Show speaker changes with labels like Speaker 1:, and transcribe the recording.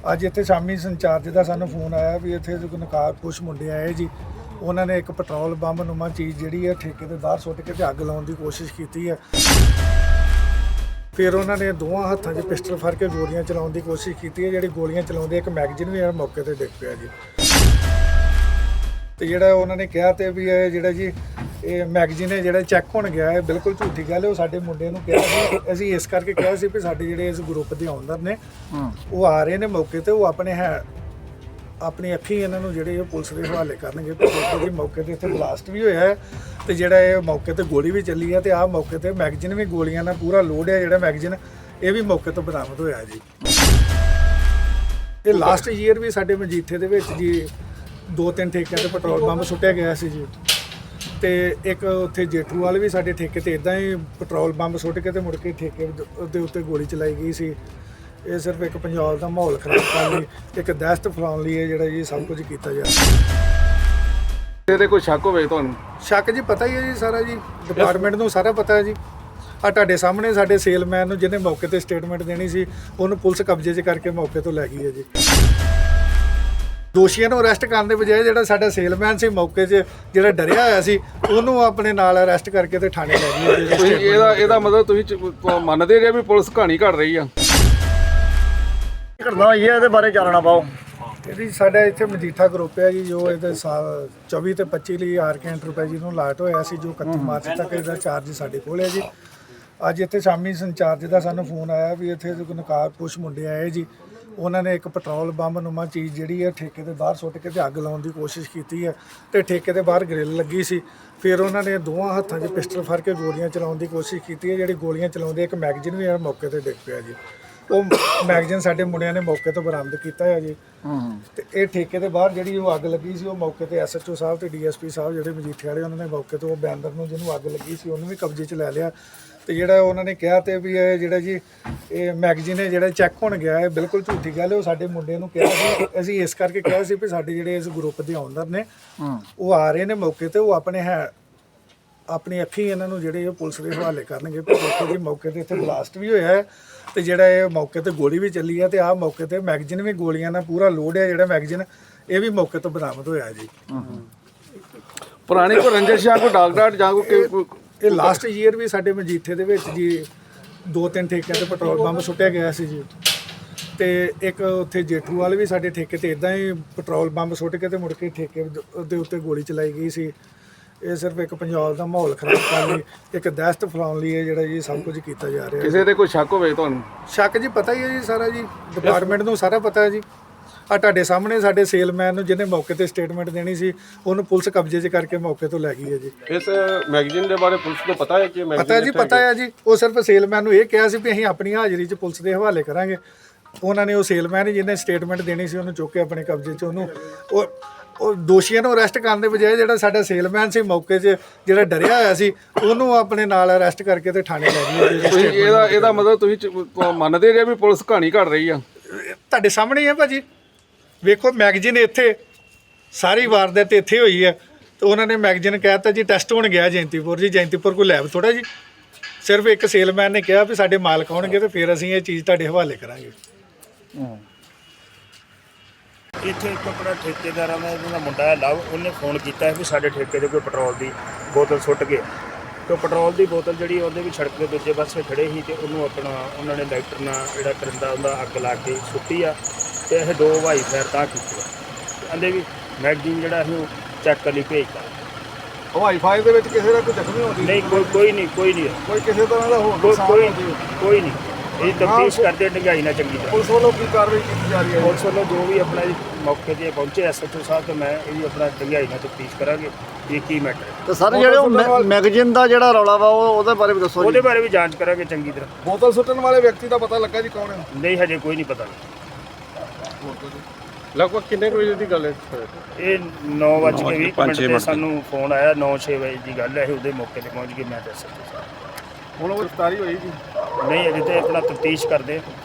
Speaker 1: ਅੱਜ ਇੱਥੇ ਸ਼ਾਮੀ ਸੰਚਾਰਜ ਦਾ ਸਾਨੂੰ ਫੋਨ ਆਇਆ ਵੀ ਇੱਥੇ ਨਕਾਰ ਕੁਛ ਮੁੰਡੇ ਆਏ ਜੀ। ਉਹਨਾਂ ਨੇ ਇੱਕ ਪੈਟਰੋਲ ਬੰਬ ਨੁਮਾ ਚੀਜ਼ ਜਿਹੜੀ ਹੈ ਠੇਕੇ ਤੇ ਬਾਹਰ ਸੁੱਟ ਕੇ ਤੇ ਅੱਗ ਲਾਉਣ ਦੀ ਕੋਸ਼ਿਸ਼ ਕੀਤੀ ਹੈ। ਫਿਰ ਉਹਨਾਂ ਨੇ ਦੋਵਾਂ ਹੱਥਾਂ 'ਚ ਪਿਸਟਲ ਫੜ ਕੇ ਗੋਲੀਆਂ ਚਲਾਉਣ ਦੀ ਕੋਸ਼ਿਸ਼ ਕੀਤੀ ਹੈ। ਜਿਹੜੀ ਗੋਲੀਆਂ ਚਲਾਉਂਦੇ ਇੱਕ ਮੈਗਜ਼ੀਨ ਵੀ ਮੌਕੇ ਤੇ ਡਿੱਗ ਪਿਆ ਜੀ। ਤੇ ਜਿਹੜਾ ਉਹਨਾਂ ਨੇ ਕਿਹਾ ਤੇ ਵੀ ਇਹ ਜਿਹੜਾ ਜੀ ਇਹ ਮੈਗਜ਼ੀਨ ਹੈ ਜਿਹੜਾ ਚੈੱਕ ਹੋਣ ਗਿਆ ਹੈ, ਬਿਲਕੁਲ ਝੂਠੀ ਗੱਲ ਹੈ। ਉਹ ਸਾਡੇ ਮੁੰਡੇ ਨੂੰ ਕਿਹਾ ਸੀ, ਅਸੀਂ ਇਸ ਕਰਕੇ ਕਿਹਾ ਸੀ ਵੀ ਸਾਡੇ ਜਿਹੜੇ ਇਸ ਗਰੁੱਪ ਦੇ ਆਉਂਦਰ ਨੇ ਉਹ ਆ ਰਹੇ ਨੇ ਮੌਕੇ ਤੇ, ਉਹ ਆਪਣੀ ਅੱਖੀਂ ਇਹਨਾਂ ਨੂੰ ਜਿਹੜੇ ਪੁਲਿਸ ਦੇ ਹਵਾਲੇ ਕਰਨਗੇ। ਤੇ ਦੇਖੋ ਜੀ ਮੌਕੇ ਤੇ ਇੱਥੇ ਬਲਾਸਟ ਵੀ ਹੋਇਆ ਹੈ ਤੇ ਜਿਹੜਾ ਇਹ ਮੌਕੇ ਤੇ ਗੋਲੀ ਵੀ ਚੱਲੀ ਹੈ ਤੇ ਆਹ ਮੌਕੇ ਤੇ ਮੈਗਜ਼ੀਨ ਵੀ ਗੋਲੀਆਂ ਨਾਲ ਪੂਰਾ ਲੋਡ ਹੈ। ਜਿਹੜਾ ਮੈਗਜ਼ੀਨ ਇਹ ਵੀ ਮੌਕੇ ਤੋਂ ਬਰਾਮਦ ਹੋਇਆ ਜੀ। ਇਹ ਲਾਸਟ ਈਅਰ ਵੀ ਸਾਡੇ ਮਜੀਠੇ ਦੇ ਵਿੱਚ ਜੀ 2-3 ਠੇਕਿਆਂ ਤੇ ਪੈਟਰੋਲ ਬੰਬ ਸੁੱਟਿਆ ਗਿਆ ਸੀ ਜੀ। ਤੇ ਇੱਕ ਉੱਥੇ ਜੇਠੂਵਾਲ ਵੀ ਸਾਡੇ ਠੇਕੇ ਤੇ ਇਦਾਂ ਹੀ ਪੈਟਰੋਲ ਬੰਬ ਸੁੱਟ ਕੇ ਤੇ ਮੁੜ ਕੇ ਠੇਕੇ ਦੇ ਉੱਤੇ ਗੋਲੀ ਚਲਾਈ ਗਈ ਸੀ। ਇਹ ਸਿਰਫ ਇੱਕ ਪੰਜਾਬ ਦਾ ਮਾਹੌਲ ਖਰਾਬ ਕਰਨ ਲਈ, ਇੱਕ ਦਹਿਸ਼ਤ ਫੈਲਾਉਣ ਲਈ ਇਹ ਜਿਹੜਾ ਜੀ ਸਭ ਕੁਝ ਕੀਤਾ ਜਾ ਰਿਹਾ।
Speaker 2: ਇਹਦੇ ਕੋਈ ਸ਼ੱਕ ਹੋਵੇ ਤੁਹਾਨੂੰ?
Speaker 1: ਸ਼ੱਕ ਜੀ ਪਤਾ ਹੀ ਹੈ ਜੀ ਸਾਰਾ ਜੀ, ਡਿਪਾਰਟਮੈਂਟ ਨੂੰ ਸਾਰਾ ਪਤਾ ਹੈ ਜੀ। ਆ ਤੁਹਾਡੇ ਸਾਹਮਣੇ ਸਾਡੇ ਸੇਲਮੈਨ ਨੂੰ ਜਿਹਨੇ ਮੌਕੇ ਤੇ ਸਟੇਟਮੈਂਟ ਦੇਣੀ ਸੀ ਉਹਨੂੰ ਪੁਲਿਸ ਕਬਜ਼ੇ 'ਚ ਕਰਕੇ ਮੌਕੇ ਤੋਂ ਲੈ ਗਈ ਹੈ ਜੀ। ਦੋਸ਼ੀਆਂ ਨੂੰ ਅਰੈਸਟ ਕਰਨ ਦੇ ਬਜਾਏ ਜਿਹੜਾ ਸਾਡਾ ਸੇਲਮੈਨ ਸੀ ਮੌਕੇ 'ਚ ਜਿਹੜਾ ਡਰਿਆ ਹੋਇਆ ਸੀ ਉਹਨੂੰ ਆਪਣੇ ਨਾਲ ਅਰੈਸਟ ਕਰਕੇ ਤੇ ਥਾਣੇ ਲੈ ਗਈ ਹੈ।
Speaker 2: ਤੁਸੀਂ ਇਹਦਾ ਮਤਲਬ ਤੁਸੀਂ ਮੰਨਦੇ ਜੇ ਵੀ ਪੁਲਿਸ ਕਹਾਣੀ ਘੜ ਰਹੀ ਆ?
Speaker 3: ਘਟਨਾ ਹੋਈ ਹੈ, ਇਹਦੇ ਬਾਰੇ ਚਾਨਣਾ ਪਾਓ।
Speaker 1: ਇਹਦੀ ਸਾਡਾ ਇੱਥੇ ਮਜੀਠਾ ਗਰੁੱਪ ਹੈ ਜੀ, ਜੋ ਇਹਦੇ ਸਾਲ 24 ਤੇ 25 ਲਈ ਆਰਕੇ ਐਂਟਰਪ੍ਰਾਈਜ਼ ਨੂੰ ਲਾਟ ਹੋਇਆ ਸੀ, ਜੋ 31 ਮਾਰਚ ਤੱਕ ਇਹਦਾ ਚਾਰਜ ਸਾਡੇ ਕੋਲ ਹੈ ਜੀ। ਅੱਜ ਇੱਥੇ ਸ਼ਾਮੀ ਸੰਚਾਰਜ ਦਾ ਸਾਨੂੰ ਫੋਨ ਆਇਆ ਵੀ ਇੱਥੇ ਨਕਾਰ ਕੁਛ ਮੁੰਡੇ ਆਏ ਜੀ। ਉਹਨਾਂ ਨੇ ਇੱਕ ਪੈਟਰੋਲ ਬੰਬ ਨੁਮਾ ਚੀਜ਼ ਜਿਹੜੀ ਹੈ ਠੇਕੇ ਦੇ ਬਾਹਰ ਸੁੱਟ ਕੇ ਤੇ ਅੱਗ ਲਾਉਣ ਦੀ ਕੋਸ਼ਿਸ਼ ਕੀਤੀ ਹੈ ਤੇ ਠੇਕੇ ਦੇ ਬਾਹਰ ਗ੍ਰਿਲ ਲੱਗੀ ਸੀ। ਫਿਰ ਉਹਨਾਂ ਨੇ ਦੋਵਾਂ ਹੱਥਾਂ 'ਚ ਪਿਸਟਲ ਫੜ ਕੇ ਗੋਲੀਆਂ ਚਲਾਉਣ ਦੀ ਕੋਸ਼ਿਸ਼ ਕੀਤੀ ਹੈ। ਜਿਹੜੀ ਗੋਲੀਆਂ ਚਲਾਉਂਦੇ ਇੱਕ ਮੈਗਜ਼ੀਨ ਵੀ ਮੌਕੇ ਤੇ ਡਿੱਗ ਪਿਆ ਜੀ। ਉਹ ਮੈਗਜ਼ੀਨ ਸਾਡੇ ਮੁੰਡਿਆਂ ਨੇ ਮੌਕੇ ਤੋਂ ਬਰਾਮਦ ਕੀਤਾ ਹੈ ਜੀ। ਤੇ ਇਹ ਠੇਕੇ ਦੇ ਬਾਹਰ ਜਿਹੜੀ ਉਹ ਅੱਗ ਲੱਗੀ ਸੀ ਉਹ ਮੌਕੇ ਤੇ ਐਸਐਚਓ ਸਾਹਿਬ ਤੇ ਡੀਐਸਪੀ ਸਾਹਿਬ ਜਿਹੜੇ ਮਜੀਠੇ ਵਾਲੇ ਉਹਨਾਂ ਨੇ ਮੌਕੇ ਤੋਂ ਉਹ ਬੈਨਰ ਨੂੰ ਜਿਹਨੂੰ ਅੱਗ ਲੱਗੀ ਸੀ ਉਹਨੂੰ ਵੀ ਕਬਜ਼ੇ 'ਚ ਲੈ ਲਿਆ। ਤੇ ਜਿਹੜਾ ਉਹਨਾਂ ਨੇ ਕਿਹਾ ਤੇ ਵੀ ਇਹ ਜਿਹੜਾ ਜੀ ਇਹ ਮੈਗਜ਼ੀਨ ਹੈ ਜਿਹੜਾ ਚੈੱਕ ਹੋਣ ਗਿਆ ਹੈ, ਬਿਲਕੁਲ ਝੂਠੀ ਗੱਲ ਹੈ। ਉਹ ਸਾਡੇ ਮੁੰਡੇ ਨੂੰ ਕਿਹਾ ਸੀ, ਅਸੀਂ ਇਸ ਕਰਕੇ ਕਿਹਾ ਸੀ ਵੀ ਸਾਡੇ ਜਿਹੜੇ ਇਸ ਗਰੁੱਪ ਦੇ ਆਉਂਦਰ ਨੇ ਉਹ ਆ ਰਹੇ ਨੇ ਮੌਕੇ ਤੇ, ਉਹ ਆਪਣੀ ਅੱਖੀਂ ਇਹਨਾਂ ਨੂੰ ਜਿਹੜੇ ਪੁਲਿਸ ਦੇ ਹਵਾਲੇ ਕਰਨਗੇ। ਤੇ ਦੇਖੋ ਜੀ ਮੌਕੇ ਤੇ ਇੱਥੇ ਬਲਾਸਟ ਵੀ ਹੋਇਆ ਹੈ ਤੇ ਜਿਹੜਾ ਇਹ ਮੌਕੇ ਤੇ ਗੋਲੀ ਵੀ ਚੱਲੀ ਹੈ ਤੇ ਆਹ ਮੌਕੇ ਤੇ ਮੈਗਜ਼ੀਨ ਵੀ ਗੋਲੀਆਂ ਨਾਲ ਪੂਰਾ ਲੋਡ ਹੈ। ਜਿਹੜਾ ਮੈਗਜ਼ੀਨ ਇਹ ਵੀ ਮੌਕੇ ਤੋਂ ਬਰਾਮਦ ਹੋਇਆ ਜੀ।
Speaker 2: ਪੁਰਾਣੀ ਕੋਈ ਰੰਜਿਸ਼ ਜਾਂ ਕੋਈ ਡਾਕਟਰ ਜਾਂ ਕੋਈ
Speaker 1: ਇਹ ਲਾਸਟ ਈਅਰ ਵੀ ਸਾਡੇ ਮਜੀਠੇ ਦੇ ਵਿੱਚ ਜੀ 2-3 ਠੇਕਿਆਂ ਤੇ ਪੈਟਰੋਲ ਬੰਬ ਸੁੱਟਿਆ ਗਿਆ ਸੀ ਜੀ। ਤੇ ਇੱਕ ਉੱਥੇ ਜੇਠੂਵਾਲ ਵੀ ਸਾਡੇ ਠੇਕੇ ਤੇ ਇਦਾਂ ਹੀ ਪੈਟਰੋਲ ਬੰਬ ਸੁੱਟ ਕੇ ਤੇ ਮੁੜ ਕੇ ਠੇਕੇ ਦੇ ਉੱਤੇ ਗੋਲੀ ਚਲਾਈ ਗਈ ਸੀ। ਇਹ ਸਿਰਫ ਇੱਕ ਪੰਜਾਬ ਦਾ ਮਾਹੌਲ ਖਰਾਬ ਕਰਨ ਲਈ, ਇੱਕ ਦਹਿਸ਼ਤ ਫੈਲਾਉਣ ਲਈ ਇਹ ਜਿਹੜਾ ਜੀ ਸਭ ਕੁਝ ਕੀਤਾ ਜਾ ਰਿਹਾ।
Speaker 2: ਕਿਸੇ ਤੇ ਕੋਈ ਸ਼ੱਕ ਹੋਵੇ ਤੁਹਾਨੂੰ?
Speaker 1: ਸ਼ੱਕ ਜੀ ਪਤਾ ਹੀ ਹੈ ਜੀ ਸਾਰਾ ਜੀ, ਡਿਪਾਰਟਮੈਂਟ ਨੂੰ ਸਾਰਾ ਪਤਾ ਹੈ ਜੀ। ਆ ਤੁਹਾਡੇ ਸਾਹਮਣੇ ਸਾਡੇ ਸੇਲਮੈਨ ਨੂੰ ਜਿਹਨੇ ਮੌਕੇ ਤੇ ਸਟੇਟਮੈਂਟ ਦੇਣੀ ਸੀ ਉਹਨੂੰ ਪੁਲਿਸ ਕਬਜ਼ੇ 'ਚ ਕਰਕੇ ਮੌਕੇ ਤੋਂ ਲੈ ਗਈ ਹੈ ਜੀ।
Speaker 2: ਇਸ ਮੈਗਜ਼ੀਨ ਦੇ ਬਾਰੇ ਪੁਲਿਸ ਨੂੰ ਪਤਾ ਹੈ ਕਿ
Speaker 1: ਪਤਾ ਜੀ, ਪਤਾ ਹੈ ਜੀ। ਉਹ ਸਿਰਫ ਸੇਲਮੈਨ ਨੂੰ ਇਹ ਕਿਹਾ ਸੀ ਵੀ ਅਸੀਂ ਆਪਣੀ ਹਾਜ਼ਰੀ 'ਚ ਪੁਲਿਸ ਦੇ ਹਵਾਲੇ ਕਰਾਂਗੇ। ਉਹਨਾਂ ਨੇ ਉਹ ਸੇਲਮੈਨ ਜਿਹਨੇ ਸਟੇਟਮੈਂਟ ਦੇਣੀ ਸੀ ਉਹਨੂੰ ਚੁੱਕ ਕੇ ਆਪਣੇ ਕਬਜ਼ੇ 'ਚ ਉਹਨੂੰ ਉਹ ਦੋਸ਼ੀਆਂ ਨੂੰ ਅਰੈਸਟ ਕਰਨ ਦੇ ਬਜਾਏ ਜਿਹੜਾ ਸਾਡਾ ਸੇਲਮੈਨ ਸੀ ਮੌਕੇ 'ਚ ਜਿਹੜਾ ਡਰਿਆ ਹੋਇਆ ਸੀ ਉਹਨੂੰ ਆਪਣੇ ਨਾਲ ਅਰੈਸਟ ਕਰਕੇ ਤੇ ਥਾਣੇ ਲੈ ਗਈ ਹੈ।
Speaker 2: ਤੁਸੀਂ ਇਹਦਾ ਮਤਲਬ ਤੁਸੀਂ ਮੰਨਦੇ ਜੇ ਵੀ ਪੁਲਿਸ ਕਹਾਣੀ ਘੜ ਰਹੀ ਆ?
Speaker 1: ਤੁਹਾਡੇ ਸਾਹਮਣੇ ਹੀ ਹੈ ਭਾਜੀ, ਵੇਖੋ ਮੈਗਜ਼ੀਨ ਇੱਥੇ ਸਾਰੀ ਵਾਰਦਾਤ ਇੱਥੇ ਹੋਈ ਹੈ ਤੇ ਉਹਨਾਂ ਨੇ ਮੈਗਜ਼ੀਨ ਕਹਿਤਾ ਜੀ ਟੈਸਟ ਹੋਣ ਗਿਆ ਜੈਂਤੀਪੁਰ ਜੀ। ਜੈਂਤੀਪੁਰ ਕੋਈ ਲੈਬ ਥੋੜਾ ਜੀ। ਸਿਰਫ ਇੱਕ ਸੇਲਮੈਨ ਨੇ ਕਿਹਾ ਵੀ ਸਾਡੇ ਮਾਲਕ ਆਉਣਗੇ ਤੇ ਫਿਰ ਅਸੀਂ ਇਹ ਚੀਜ਼ ਤੁਹਾਡੇ ਹਵਾਲੇ ਕਰਾਂਗੇ।
Speaker 3: ਇੱਥੇ ਇੱਕ ਆਪਣਾ ਠੇਕੇਦਾਰਾਂ ਦਾ ਜਿਹੜਾ ਮੁੰਡਾ ਹੈ ਲਵ, ਉਹਨੇ ਫੋਨ ਕੀਤਾ ਵੀ ਸਾਡੇ ਠੇਕੇ ਦੇ ਕੋਈ ਪੈਟਰੋਲ ਦੀ ਬੋਤਲ ਸੁੱਟ ਗਏ। ਤੇ ਪੈਟਰੋਲ ਦੀ ਬੋਤਲ ਜਿਹੜੀ ਉਹਦੇ ਵੀ ਸੜਕ ਦੇ ਦੂਜੇ ਪਾਸੇ ਖੜੇ ਸੀ ਤੇ ਉਹਨੂੰ ਆਪਣਾ ਉਹਨਾਂ ਨੇ ਲਾਈਟਰ ਨਾਲ ਜਿਹੜਾ ਕਰਿੰਦਾ ਉਹਦਾ ਅੱਗ ਲਾ ਕੇ ਸੁੱਟੀ ਆ। ਤੇ ਇਹ 2 ਹਵਾਈ ਫਾਇਰ ਤਾਂ ਕੀਤੇ ਕਹਿੰਦੇ ਵੀ ਮੈਗਜ਼ੀਨ ਜਿਹੜਾ ਅਸੀਂ ਚੈੱਕ ਕਰਨ ਲਈ ਭੇਜਤਾ।
Speaker 2: ਹਵਾਈ ਫਾਇਰ ਦੇ ਵਿੱਚ ਕਿਸੇ ਦਾ ਕੋਈ ਜ਼ਖਮੀ ਹੋਣੀ?
Speaker 3: ਨਹੀਂ, ਕੋਈ ਨਹੀਂ ਕੋਈ
Speaker 2: ਕਿਸੇ ਤਰ੍ਹਾਂ ਦਾ
Speaker 3: ਕੋਈ ਨਹੀਂ। ਇਹ ਤਫਤੀਸ਼ ਕਰਦੇ ਡੰਗਾਈ ਨਾਲ ਚੰਗੀ ਤਰ੍ਹਾਂ।
Speaker 2: ਪੁਲਿਸ ਵੱਲੋਂ ਕੀ ਕਾਰਵਾਈ ਕੀਤੀ ਜਾ ਰਹੀ ਹੈ?
Speaker 3: ਪੁਲਿਸ ਵੱਲੋਂ ਜੋ ਵੀ ਆਪਣਾ ਮੌਕੇ 'ਤੇ ਪਹੁੰਚੇ ਐਸਐਚਓ ਸਾਹਿਬ ਤੇ ਮੈਂ ਇਹ ਵੀ ਆਪਣਾ ਡੰਗਾਈ ਨਾਲ ਤਫਤੀਸ਼ ਕਰਾਂਗੇ ਇਹ ਕੀ ਮੈਟਰ ਹੈ।
Speaker 4: ਤੇ ਸਰ ਜਿਹੜੇ ਉਹ ਮੈਗਜ਼ੀਨ ਦਾ ਜਿਹੜਾ ਰੌਲਾ ਵਾ ਉਹਦੇ ਬਾਰੇ ਵੀ ਦੱਸੋ।
Speaker 3: ਉਹਦੇ ਬਾਰੇ ਵੀ ਜਾਂਚ ਕਰਾਂਗੇ ਚੰਗੀ ਤਰ੍ਹਾਂ।
Speaker 2: ਬੋਤਲ ਸੁੱਟਣ ਵਾਲੇ ਵਿਅਕਤੀ ਦਾ ਪਤਾ ਲੱਗਾ ਜੀ ਕੌਣ ਹੈ?
Speaker 3: ਨਹੀਂ, ਹਜੇ ਕੋਈ ਨਹੀਂ ਪਤਾ।
Speaker 2: ਲਗਭਗ ਕਿੰਨੇ ਵਜੇ ਦੀ ਗੱਲ ਹੈ?
Speaker 3: ਇਹ 9:20 ਤੇ ਸਾਨੂੰ ਫੋਨ ਆਇਆ। 9-6 ਵਜੇ ਦੀ ਗੱਲ ਹੈ। ਇਹ ਉਹਦੇ ਮੌਕੇ ਤੇ ਪਹੁੰਚ ਗਏ ਮੈਂ ਤੇ ਐਸਐਚਓ ਸਾਹਿਬ।
Speaker 2: ਹੁਣ ਉਹ ਗ੍ਰਿਫਤਾਰੀ ਹੋਈ ਜੀ?
Speaker 3: ਨਹੀਂ, ਅਜੇ ਤੇ ਆਪਣਾ ਤਫਤੀਸ਼ ਕਰਦੇ।